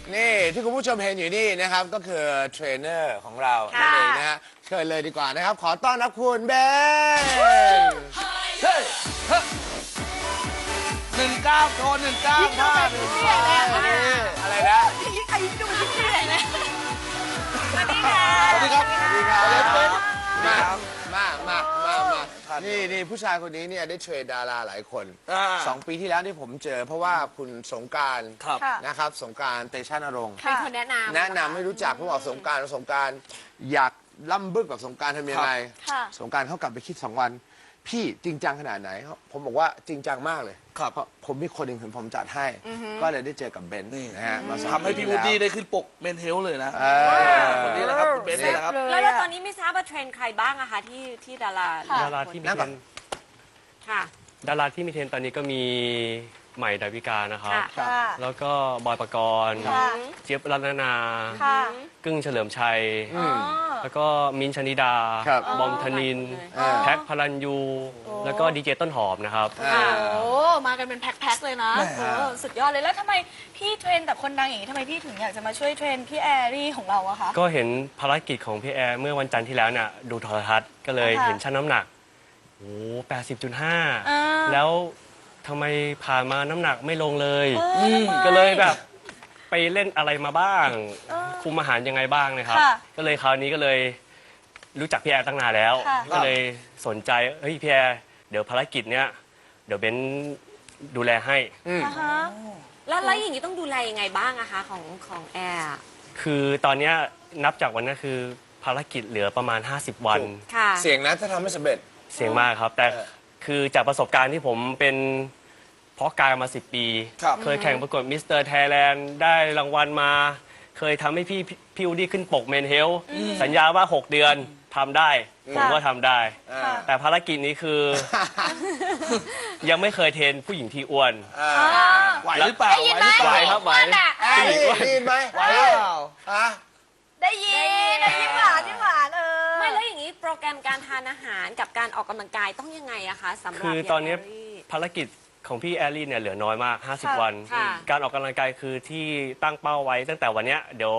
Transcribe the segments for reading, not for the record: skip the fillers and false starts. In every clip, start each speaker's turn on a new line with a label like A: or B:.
A: นี่ที่คุณผู้ชมเห็นอยู่นี่นะครับก็คือเทรนเนอร์ของเรานั่นเองนะฮะเชิญเลยดีกว่านะครับขอต้อนรับคุณเบน
B: เฮ้ย19โทร19ท่าหนึ่ง
A: อะไรนะ
C: ใครดูยิ่งใหญ่เลยสวัสดีค่ะ
B: สวัสดีครับ
A: สวัสดีครับ
B: มา
A: มานี่ผู้ชายคนนี้เนี่ยได้เทรนดาราหลายคน 2 ปีที่แล้วที่ผมเจอเพราะว่าคุณสงกรานต์
B: ครับ
A: นะครับสงกรานต์เตชะนรงค์
C: เป็นคนแนะนำ
A: ให้รู้จักเขาบอกสงกรานต์อยากล่ำบึกกับสงกรานต์ทำยังไง
C: ค่ะ
A: สงกรานต์เขากลับไปคิด2 วัน พี่จริงจังขนาดไหนผมบอกว่าจริงจังมากเลย
B: ครับ
A: เพราะผมมีคนหนึ่งถึงผมจัดให้ ก็เลยได้เจอกับเบนซ์
B: นี่
A: นะฮะมาสอง
B: ทำให้พี่วูดดี้ได้ขึ้นปกเมนเฮลเลยนะคนนี้แหละครับคุณเบนซ์นี่แหละครับ
D: แล้วตอนนี้ไม่ทราบว่าเทรนด์ใครบ้างอะคะที่ดารา
E: ดาราที่มีเทรนด์
D: ค่ะ
E: ดาราที่มีเทรนด์ตอนนี้ก็มีใหม่ดาวิกานะครับ
D: ค่ะ
E: แล้วก็บอยปกรณ์
C: ค่ะ
E: เจี๊ยบรัตนา
C: ค่ะ
E: กึ้งเฉลิมชัย แล้วก็มิ้นท์ชนิดา
A: ครับ
E: บอมธนิน แพ็คพลันยู แล้วก็ดีเจต้นหอมนะครับ
C: โอ้มากันเป็นแพ็คๆเลยนะ
B: แหม
C: โอ้สุดยอดเลยแล้วทำไมพี่เทรนแต่คนดังอย่างนี้ทำไมพี่ถึงอยากจะมาช่วยเทรนพี่แอรี่ของเราอะคะ
E: ก็เห็นภารกิจของพี่แอร์เมื่อวันจันทร์ที่แล้วเนี่ยดูโทรทัศน์ก็เลย
C: ค่ะ
E: เห็นชั่งน้ำหนักโอ้
C: อ่า
E: 80.5 แล้วทำไมผ่านมาน้ำหนักไม่ลงเลย
C: ทำไม
E: ก็เลยแบบไปเล่นอะไรมาบ้าง คุมอาหารยังไงบ้างนะครับ
C: ค่ะ
E: ก็เลยคราวนี้ก็เลยรู้จักพี่แอร์ตั้งนานแล้ว
C: ค่ะ
E: ก็เลยสนใจเฮ้ยพี่แอร์เดี๋ยวภารกิจเนี้ยเดี๋ยวเบนดูแลให้
C: อ่าฮะ
D: แล้วอย่างนี้ต้องดูแลยังไงบ้างอะคะของแอร์อะ
E: คือตอนเนี้ยนับจากวันนั้นคือภารกิจเหลือประมาณ 50 วัน
D: ค่ะ
A: เสียงนะถ้าทำไม่สำเร็จ
E: เสียงมากครับ แต่คือจากประสบการณ์ที่ผมเป็นเพาะกายมา 10 ปี
B: ครับ
E: เคยแข่งประกวดมิสเตอร์ไทยแลนด์ได้รางวัลมา เคยทำให้พี่วูดดี้ขึ้นปกเมนเฮลสัญญาว่า 6 เดือนทำได้ ผมก็ทำได้ แต่ภารกิจนี้คือ ยังไม่เคยเทรนผู้หญิงที่อ้วน
B: ไหวหรือเปล่า
C: ได้ยินไหม
E: ไหวครับไหว
A: แอร์ได้ยินไหม
B: ไหวหรือเปล่า
A: ฮะ
C: ได้ยินยิ้มหวานยิ้มหวาน
D: ไม่แล้วอย่างนี้โปรแกรมการทานอาหารกับการออกกำลังกายต้องยังไงอะคะสำหรับ
E: คือตอนนี้
D: ย่างแรี่
E: ภารกิจของพี่แอลลี่เนี่ยเหลือน้อยมาก 50 วัน
D: ค่ะ
E: การออกกำลังกายคือที่ตั้งเป้าไว้ตั้งแต่วันเนี้ยเดี๋ยว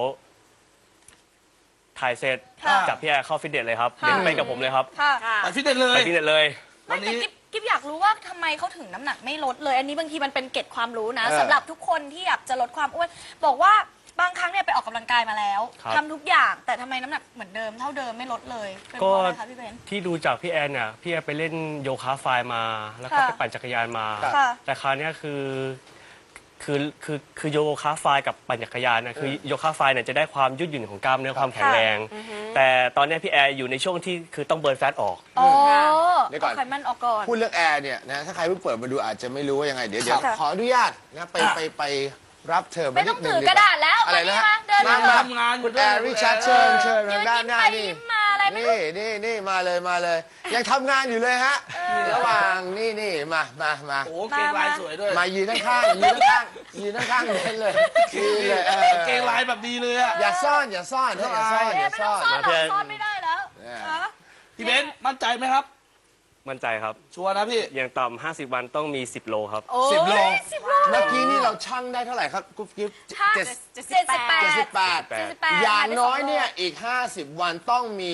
E: ถ่ายเสร็จ
C: ค่ะ
E: จับพี่แอร์เข้าฟิตเนสเลยครับ
C: ค่ะ
E: เดี๋ยวไปกับผมเลยครับ
C: ค่ะ
D: ค่ะ
B: ไปฟิตเนสเล
E: ไป
B: ย
E: ฟิตเนสเลย
B: วั
C: ไม่
B: น
C: แต่
B: นี้
C: กิ๊บอยากรู้ว่าทำไมเขาถึงน้ำหนักไม่ลดเลย อันนี้บางทีมันเป็นเกร็ดความรู้นะ
A: เออ
C: สำหรับทุกคนที่อยากจะลดความอ้วนบอกว่าบางครั้งเนี่ยไปออกกำลังกายมาแล้ว
E: ครับ
C: ทำทุกอย่างแต่ทำไมน้ำหนักเหมือนเดิมเท่าเดิมไม่ลดเลยเป็นเพราะอะไรคะพี่เบน
E: ที่ดูจากพี่แอนเนี่ยพี่แอนไปเล่นโยคะไฟล์มา แล้วก็
C: ค่ะ
E: ไปปั่นจักรยานมา
C: ค่ะ
E: แต่คราวเนี้ยคือโยคะไฟล์กับปั่นจักรยานนะคือโยคะไฟล์เนี่ยจะได้ความยืดหยุ่นของกล้ามเนื้อความแข็งแรง แต่ตอนเนี้ยพี่แอร์อยู่ในช่วงที่คือต้องเบิร์นแฟตออก
C: โอ้
A: เดี๋ยวก่อน
C: เอาไขมันออกก่อน
A: พูดเรื่องแอร์เนี่ยนะถ้าใครเพิ่งเปิดมาดูอาจจะไม่รู้ว่ายังไงเดี๋ยว
C: ค่ะ
A: ขออนุญาตนะไปรับเธอ
C: ไม่
A: นิ
C: ต้อง
A: ดนึ
C: ถือกระดาษแล้ว
A: อะไรนะ
C: มาเดิน
A: มา
C: มา
B: ทำงานอยู่
A: คุณ
B: ด้
A: แอ
B: วย
A: ร์ริชาร์ดเชิญทางด้านหน้า
C: ไป
A: นี่
C: ยิ้มมาอะไรไม่รู้
A: นี่มาเลยยังทำงานอยู่เลยฮะระหว่างนี่มา
B: โอ้โหเกงลายสวยด้วย
A: มายืนข้างๆยืนข้างๆเบนเลยยืนเลย
B: เกงลายแบบดีเลยอะ
A: อย่าซ่อนอย่าซ่อน
C: ไม่ต้องซ่อนหรอกซ่อนไม่ได้แล้ว
B: พี่เบนซ์มั่นใจไหมครับ
E: มั่นใจครับ
B: ชัวร์นะพี่
E: อย่างต่ำ50 วันต้องมี 10 โลครับ
A: 10 โล
C: 10 โล
A: เมื่อกี้นี่เราชั่งได้เท่าไหร่ครับกุ๊บกิ๊บ
C: ช่าง
A: 78
C: 78
A: อย่างน้อยเนี่ยอีก 50 วันต้องมี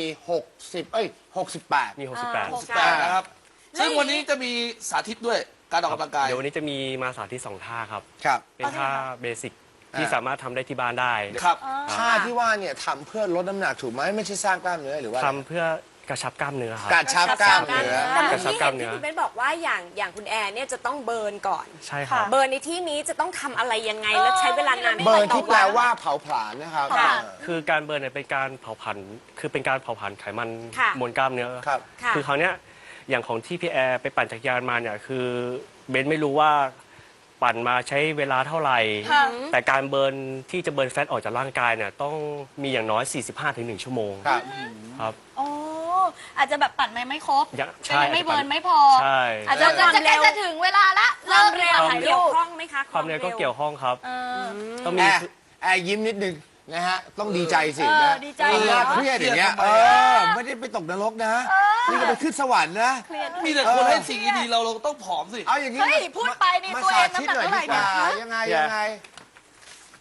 A: 68
E: มี
C: 68
E: 68
B: นะครับ ซึ่งวันนี้จะมีสาธิตด้วยการออกกำลังกาย
E: เดี๋ยววันนี้จะมีมาสาธิต2ท่าครับ
A: ครับ
E: เป็นท่าเบสิกที่สามารถทำได้ที่บ้านได้
B: ครับ
A: ท่าที่ว่าเนี่ยทำเพื่อลดน้ำหนักถูกไหมไม่ใช่สร้างกล้ามเนื้อหรือว่า
E: ทำเพื่อกระชับกล้ามเนื้อครับ
A: กระชับกล้ามเนื้อ
D: แต่
E: ก
D: เมื่
E: ระ
D: อ
E: ชับ
D: กี้
E: กล้า
D: เห็
E: ม
D: น
E: เนื้อ
D: ที่คุณเบนบอกว่าอย่างคุณแอร์เนี่ยจะต้องเบิร์นก่อน
E: ใช่ครับ
D: เบิร์นในที่นี้จะต้องทำอะไรยังไงและใช้เวลานาน
A: เบิร์น
D: ต่อ
A: ที่แปลว่าเผาผลาญนะครับ
D: ค่ะ
E: คือการเบิร์นเนี่ยเป็นการเผาผลาญคือเป็นการเผาผลาญไขมัน
D: ค่ะ
E: มวลกล้ามเนื้อ
A: ครับ
D: ค่ะ
E: คือคราวเนี้ยอย่างของที่พี่แอร์ไปปั่นจักรยานมาเนี่ยคือเบนไม่รู้ว่าปั่นมาใช้เวลาเท่าไหร่
C: ค่ะ
E: แต่การเบิร์นที่จะเบิร์นแฟตออกจากร่างกายเนี่ยต้องมีอย่างน้อย 45-1 ชั่วโมง
A: ครับ
E: ครับ
C: โอ้อาจจะแบบปั่นไม่ครบ
E: ใช่
C: ไม่เบิร์นไม่พอ
E: ใช่
C: อาจจะใกล้จะถึงเวลาละ
D: ความเร็ว
C: ถ่าย
D: เกี่ยว
C: รูป
D: ข้องไหมคะ
E: ความเร็วก็เกี่ยวข้องครับ
C: เออ
E: ต้อง
A: แอ
E: มี
A: ร์ยิ้มนิดนึงนะฮะต้องดีใจสิ
C: เออ
A: นะ
C: ดีใจ
A: น่าเครียดอย่างเงี้ย
B: เครียดทำไมอะ
A: ไม่ได้ไปตกนรกนะนี่ก็ไปขึ้นสวรรค์นะ
B: มีแต่คนให้สิ่งดีๆเราต้องผอมสิ
A: เอาอย่างนี้
C: เฮ้ยพูดไปนี่
A: มา
C: ตัวเอง
A: สาธิต
C: น้ำหนัก
A: หน่อย
C: เท่าไหร่
A: ดีกว่า
C: เนี่ย
A: ยังไง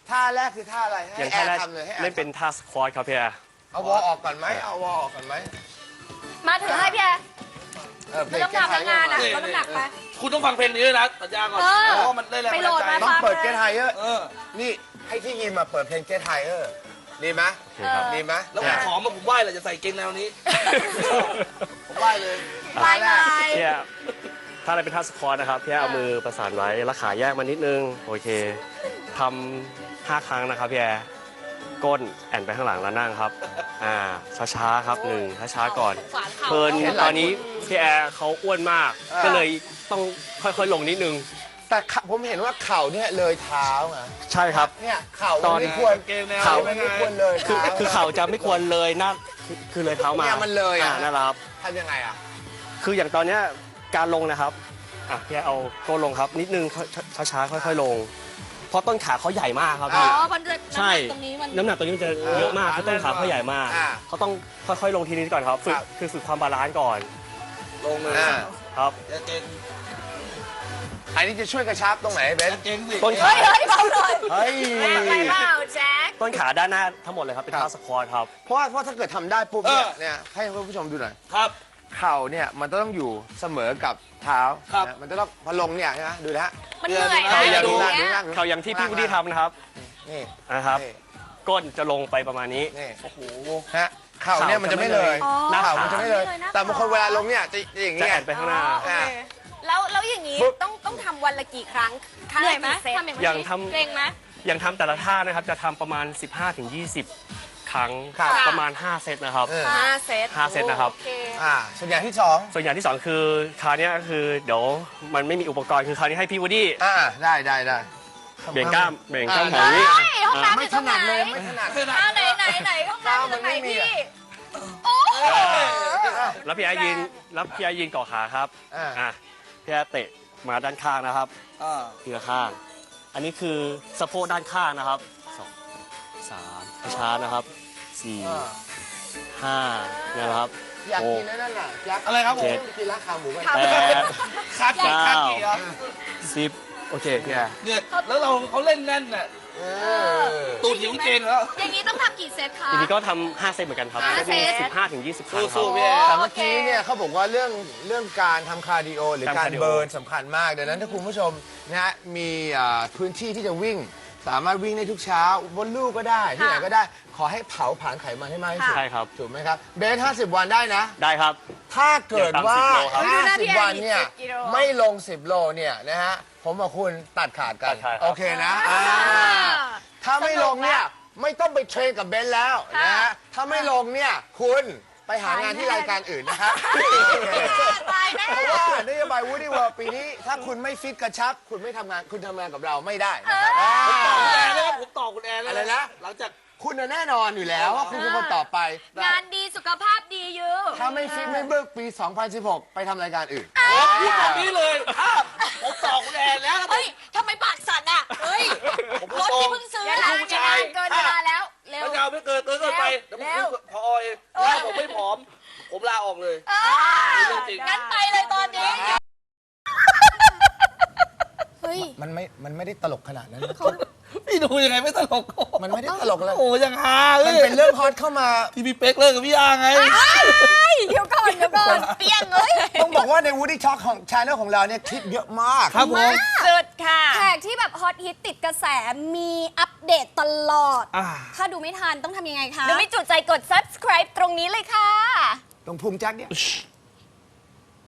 A: ท่าแรกคือท่าอะไรให้
E: อย่าง
A: แอ
E: ท่า
A: ร์
E: แรก
A: ทำเลยให้แอ
E: เล่น
A: ร์
E: เป็นท่าสควอตครับพี่แอร์
A: เอาวอลออกก่อนไหมเอาวอลออกก่อนไหม
C: มาถือให้พี่แอร์
A: เพล
D: ไม่
A: ง
D: ต้อง
A: แก้ไข
D: ทำแล้วงานอ่ะ
B: นี่
D: ลดน้ำหนักไป
B: คุณต้องฟังเพลงนี้ด้วยนะสัญญาก่อน
C: เออ
B: เพราะว่ามันได้แรง
C: ไป
B: บัน
C: โหล
B: ดา
C: ด
B: ลใจ
C: มา
A: ต้องเปิด
C: ฟังเลย
A: Get Higher
B: เออ
A: นี่ให้ที่ยินมาเปิดเพลง Get Higher ดีไหม
E: โอเคครับ
A: ดีไหม
B: แล้วผมขอมาผมไหว้เลยจะใส่เกงแนวนี้ ผมไหว้เลย
C: บายบาย
E: พี่แอร์ถ้าอะไรเป็นท่าสควอตนะครับพี่แอร์เอามือประสานไว้แล้วขาแยกมานิดนึงโอเคทำ5 ครั้งนะครับพี่แอร์ก้นแอนไปข้างหลังแล้วนั่งครับช้าๆครับช้าๆก่อน
D: สงสารเขา
E: เพิ่นตอนนี้พี่แอร์เขาอ้วนมาก ก็เลยต้องค่อยๆลงนิดนึง
A: แต่ผมเห็นว่าเข่าเนี่ยเลยเท้าไง
E: ใช่ครับ
A: เนี่ยเข่า
E: ตอน
A: ไม่ควร
B: เกงแนว
A: เข่า
B: ไม่
A: ไม่
B: ไง
A: ควรเลย
E: คือ
A: เท้า
E: คือเข่าจะไม่ควรเลยหน้าคือเลยเท้ามา
A: เนี่ยมันเลยอะ
E: นั่นแหละครับ
A: ทำยังไงอ่ะ
E: คืออย่างตอนเนี้ยการลงนะครับพี่แอร์เอาก้นลงครับนิดนึงช้าๆค่อยๆลง เพราะต้นขาเขาใหญ่มากครับ
C: อ๋
E: พี่
C: อมันจะ
E: ใช่
C: ตรงนี้มัน
E: น้ำหนักตัวนี้มันจะเยอะมากเพราะต้นขาเขาใหญ่มาก เขาต้องค่อยๆลงทีนี้ก่อนครับฝึก
A: ครับ
E: คือฝึกความบาลานซ์ก่อน
B: ลงเลย
A: อ่า
E: ครับ
B: อย่าเกง
A: อันนี้จะช่วยกระชับตรงไหนเบ
B: อน ย่าเกงสิ
E: ต้นขา
C: เฮ้ยเฮ้ยเบาหน่อย
A: เฮ้ย
D: ไปเปล่าแจ็ค
E: ต้นขาด้านหน้าทั้งหมดเลยครับเป็น
A: ครับ
E: ท่าสควอตครับ
A: เพราะถ้าเกิดทำได้ปุ๊บเนี่ยให้คุณผู้ชมดูหน่อย
B: ครับ
A: เข่าเนี่ยมันต้องอยู่เสมอกับเท้า
B: ครับ
A: นะมันจะต้องพอลงเนี่ยนะดูนะฮะ
C: มันเหนื่อย
B: เอ
C: นะ
B: ออย่า
A: ดู
B: ดู
A: นะ
C: เนี่
A: ดู
C: ย
A: นะ
E: เขาอย่างที่พี่วูดดี้ทำนะครับ
A: นี่
E: นะครับ
A: นี่
E: ก้นจะลงไปประมาณนี้
A: นี่
B: โอ้โห
A: ฮะเข่าเนี่ยมันจะไม่เลย
C: อ๋อ
E: หน้า
A: เข่า
E: ขา
A: มันจะไม่เลย
C: ไม่เลยนะ
A: แต่บางคนเวลาลงเนี่ยจะอย่าง
E: จะ
A: เงี้
E: แอย นไปข้างหน้า
C: อ๋อโอเค
D: แล้วอย่างนี้
A: ปุ๊บ
D: ต้องทำวันละกี่ครั้งครั้ง
C: เหนื่
D: ละ
C: อยไหม
D: กี่เซต
C: ทำอย่าง
E: อย่าง
C: นี้
E: ทำ
C: เกรงไหม
E: อย่างทำแต่ละท่านะครับจะทำประมาณ 15-20 ครั้ง
A: ครับ
E: ประมาณ 5 เซตนะครับ
A: เออ
D: 5 เซต
E: 5 เซตนะครับ
D: โอเค
A: ส่วนอย่างที่สอง
E: ส่วนอย่างที่ 2 คือคราวเนี้ยก็คือเดี๋ยวมันไม่มีอุปกรณ์คือคราวนี้ให้พี่วูดดี้
A: ได้
E: เบ่งกล้ามแบ่งกล้ามแถว
A: อ่า
E: นี้
C: เฮ้ยห้องน้ำ
A: ไม่
C: อยู่
A: ถ
C: ตรงไหน
A: นัดเลยไม่ถนัด
C: อ่าไหนห้องน้ำอยู่ตรงไหน
A: มันไม่มี
C: พี่
A: อะ
C: โอ้โห
E: แล้วพี่แอร์ยืนเกาะขาครับ
A: อ่า
E: พี่แอร์เตะมาด้านข้างนะครับ
B: อ่า
E: ทีละข้าง อันนี้คือสะโพกด้านข้างนะครับ2 3ช้าๆนะครับ4 5นะครับ
A: อยากกินนั่นน่ะอยาก
B: อะไรครับผม
A: กินร้านขาหมูกัน
E: 8
B: คากี่คากี่เหรอ
E: 10โอเคพี่แอร์
B: เนี่ยแล้วเขาเล่นแน่นน่ะตูดหิวเกงแล้ว
C: อย่างนี้ต้องทำกี่เซตคะ
E: ทีนี้ก็ทำ5 เซตเหมือนกันครับ
C: 5 เซต
E: 15-20 ครั้งครั
B: สู้
E: บ
B: ๆพี่แอร์
A: แต่เมื่อกี้เนี่ยเขาบอกว่าเรื่องการทำคาร์ดิโอหรือ
E: ทำ
A: การ
E: คาร์ดิโอ
A: เบิร์นสำคัญมากดังนั้นถ้าคุณผู้ชมนะฮะมีพื้นที่ที่จะวิ่ง สามารถวิ่งได้ทุกเช้าบนลู่ก็ได้ที่ไหนก็ได้ ขอให้เผาผลาญไขมันให้มากที่สุด
E: ใช่ครับ
A: ถูกไหมครับเบส50 วันได้นะ
E: ได้ครับ
A: ถ้าเกิดว่า
E: อย่าต่ำ10โลครับ
A: 50 วันเนี่ยไม่ลง 10 โลเนี่ยนะฮะผมกับคุณตัดขาดกัน
E: ตัดขาดครับ
A: โอเคนะถ้าไม่ลงเนี่ยไม่ต้องไปเทรนกับเบนซ์แล้วนะฮะถ้าไม่ลงเนี่ยคุณไปหางานที่รายการอื่นนะครับ
C: ตายแน่
A: เพราะว่านโยบาย Woody World ปีนี้ ถ้าคุณไม่ฟิตกระชับ คุณไม่ทำงานคุณทำงานกับเราไม่ได้นะครับ
B: คุณแอร์นะครับผมต่อคุณแอร์แล้ว
A: อะไรนะ
B: หลังจาก
A: คุณน่ะแน่นอนอยู่แล้วว่าคุณเป็นคนต่อไป
C: งานดีสุขภาพดีอยู่
A: ถ้าไม่ฟิตไม่เบิกปี 2016 ไปทำรายการอื่น
B: พูดแบบนี้เลยผมต่อคุณแอร์แล้ว
C: เฮ้ยทำไมปากสั่นอ่ะ เฮ้ย
B: ผม
C: รถ
B: ตร
C: ที่
B: ง
C: เพิ่งซื้อ
B: อย่า
C: นะ
B: ทำผู้ชาย
C: เกินเวลาแล้ว เร็ว
B: ถ้ายาวไม่เกินไปเดี๋ยวผม
C: เร็ว
B: พอเองถ้าผมไม่ผอม ผมลาออกเลย เรื่องจริง
C: งั้นไปเลยตอนนี้ เฮ้ย
A: มันไม่ได้ตลกขนาดนั้น
B: พี่ดูยังไงไม่ตลก
A: มันไม่ได้ตลกเลย
B: โอ้ยังฮาเล
A: มัน
B: ย
A: เป็นเรื่องฮอตเข้ามา
B: ที่พี่เป๊กเลิกกับพี่อาไง
C: เดี๋ยวก่อนเปี้ยงเลย
A: ต้องบอกว่าใน Woody Talk ของ Channel ของเราเนี่ยคลิปเยอะมาก
B: ครับผม
D: สุดค่ะ
F: แขกที่แบบฮอตฮิตติดกระแสมีอัปเดตตลอด
B: อ่า
F: ถ้าดูไม่ทันต้องทำยังไงคะ
D: หรือไม่จุใจกด subscribe ตรงนี้เลยค่ะ
A: ตรงพุงแจ็คเนี่ย